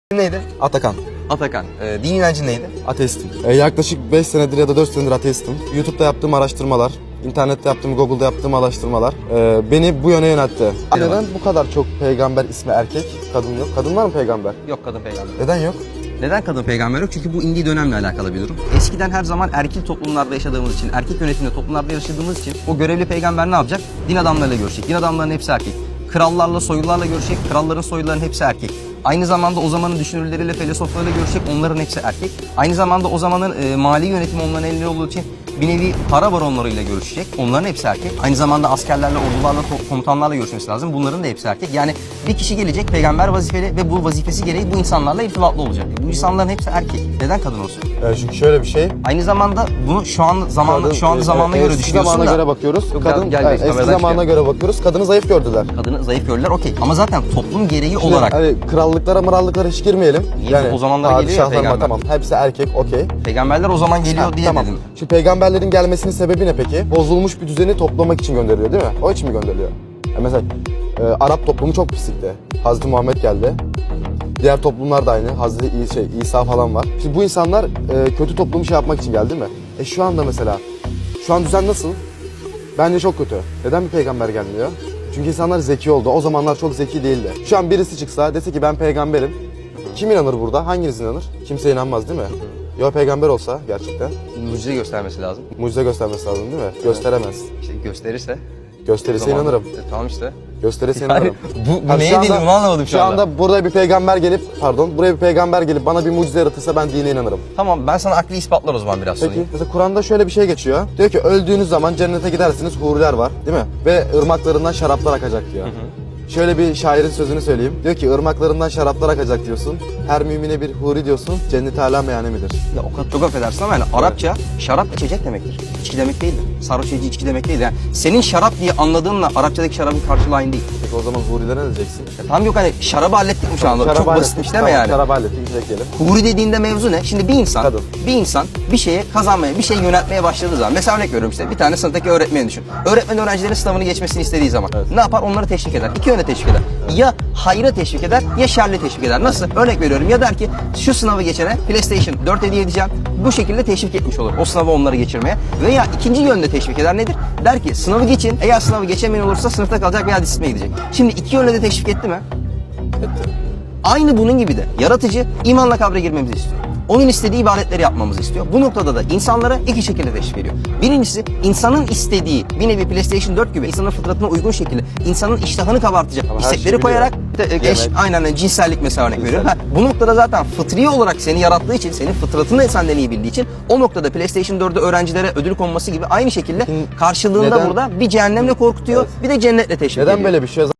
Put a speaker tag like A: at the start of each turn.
A: Neydi?
B: Atakan.
A: Atakan. Din inancın neydi?
B: Ateistim. Yaklaşık 5 senedir ya da 4 senedir ateistim. YouTube'da yaptığım araştırmalar, internette yaptığım, Google'da yaptığım araştırmalar beni bu yöne yöneltti. Neden bu kadar çok peygamber ismi erkek, kadın yok? Kadın var mı peygamber?
A: Yok, kadın peygamber.
B: Neden yok?
A: Neden kadın peygamber yok? Çünkü bu indiği dönemle alakalı bir durum. Eskiden her zaman erkil toplumlarda yaşadığımız için, erkek yönetimli toplumlarda yaşadığımız için o görevli peygamber ne yapacak? Din adamlarıyla görüşecek. Din adamlarının hepsi erkek. Krallarla, soylularla görüşecek. Kralların, soyluların hepsi erkek. Aynı zamanda o zamanın düşünürleriyle, filozoflarıyla görüşecek. Onların hepsi erkek. Aynı zamanda o zamanın mali yönetimi onların elinde olduğu için bir nevi para baronlarıyla görüşecek. Onların hepsi erkek. Aynı zamanda askerlerle, ordularla, komutanlarla görüşmesi lazım. Bunların da hepsi erkek. Yani bir kişi gelecek, peygamber vazifeli ve bu vazifesi gereği bu insanlarla irtibatlı olacak. Bu insanların hepsi erkek. Neden kadın olsun?
B: Çünkü şöyle bir şey.
A: Aynı zamanda bunu şu anda zamanına göre düşünüyorsun
B: zamana
A: da.
B: göre bakıyoruz.
A: Yok,
B: Kadın
A: gel,
B: eski zamana göre bakıyoruz. Kadını zayıf gördüler.
A: Kadını zayıf gördüler, okey. Ama zaten toplum gereği
B: Şimdi,
A: olarak
B: hani krallıklara hiç girmeyelim.
A: Niye? O zamanlar geliyor ya
B: padişahlarıma
A: peygamber.
B: tamam. Hepsi erkek, okey.
A: peygamberler o zaman geliyor diye
B: Tamam.
A: dedim.
B: Şu peygamberlerin gelmesinin sebebi ne peki? Bozulmuş bir düzeni toplamak için gönderiliyor değil mi? O için mi gönderiliyor? Mesela Arap toplumu çok pislikti. Hazreti Muhammed geldi. Diğer toplumlar da aynı. Hazreti İsa falan var. Şimdi bu insanlar kötü toplumu şey yapmak için geldi değil mi? Şu anda mesela, şu an düzen nasıl? Bence çok kötü. Neden bir peygamber gelmiyor? Çünkü insanlar zeki oldu. O zamanlar çok zeki değildi. Şu an birisi çıksa dese ki ben peygamberim. Kim inanır burada? Hanginiz inanır? Kimse inanmaz değil mi? Ya peygamber olsa gerçekten.
A: Mucize göstermesi lazım.
B: Mucize göstermesi lazım değil mi? Gösteremez.
A: İşte gösterirse.
B: Gösterirse inanırım.
A: Tamam işte.
B: Gösterirse
A: Yani
B: inanırım.
A: bu
B: Hani
A: neye
B: şu anda-
A: dediğimi anlamadım şu anda.
B: anda buraya bir peygamber gelip bana bir mucize yaratırsa ben dine inanırım.
A: Tamam, ben sana akli ispatlar o zaman biraz
B: Peki
A: sorayım.
B: mesela Kur'an'da şöyle bir şey geçiyor. Diyor ki öldüğünüz zaman cennete gidersiniz, huriler var değil mi? Ve ırmaklarından şaraplar akacak diyor. Şöyle bir şairin sözünü söyleyeyim. Diyor ki ırmaklarından şaraplar akacak diyorsun. Her mümine bir huri diyorsun. Cennet âlâ meyane midir?
A: Ya o kadar çok affedersin ama yani Arapça şarap içecek demektir. İçki demek değildir. Sarhoş edici içki demek değil. Yani senin şarap diye anladığınla Arapçadaki şarabın karşılığı aynı değil.
B: Peki o zaman hurilere ne diyeceksin?
A: Tamam, yok hani şarabı hallettik mi şu anda? Çok basitmiş değil mi yani?
B: Şarabı hallettik, içecek.
A: Huri dediğinde mevzu ne? Şimdi bir insan bir şeye kazanmaya, bir şeye yöneltmeye başladığı zaman, mesela örnek veriyorum işte bir tane sınıftaki öğretmeni düşün. Öğretmen öğrencilerin sınavını geçmesini istediği zaman ne yapar? Onları teşvik eder. İki yöne teşvik eder. Ya hayra teşvik eder ya şerle teşvik eder. Nasıl? Örnek veriyorum, ya der ki şu sınavı geçene PlayStation 4 hediye edeceğim. Bu şekilde teşvik etmiş olur o sınavı onları geçirmeye. Veya ikinci yönde teşvik eder, nedir? Der ki sınavı geçin. Eğer sınavı geçemeyen olursa sınıfta kalacak veya disipline gidecek. Şimdi iki yönde de teşvik etti mi?
B: Etti.
A: Aynı bunun gibi de yaratıcı imanla kabre girmemizi istiyor. Onun istediği ibadetleri yapmamızı istiyor. Bu noktada da insanlara iki şekilde teşvik veriyor. Birincisi, insanın istediği bir nevi PlayStation 4 gibi insanın fıtratına uygun şekilde insanın iştahını kabartacak
B: her
A: istekleri
B: şeyi
A: koyarak
B: Yemek.
A: aynen cinsellik mesela örnek veriyorum. Bu noktada zaten fıtri olarak seni yarattığı için, senin fıtratını senden iyi bildiği için o noktada PlayStation 4'ü öğrencilere ödül konması gibi aynı şekilde karşılığında
B: Neden?
A: burada bir cehennemle korkutuyor, bir de cennetle teşvik ediyor.
B: Neden böyle bir şey?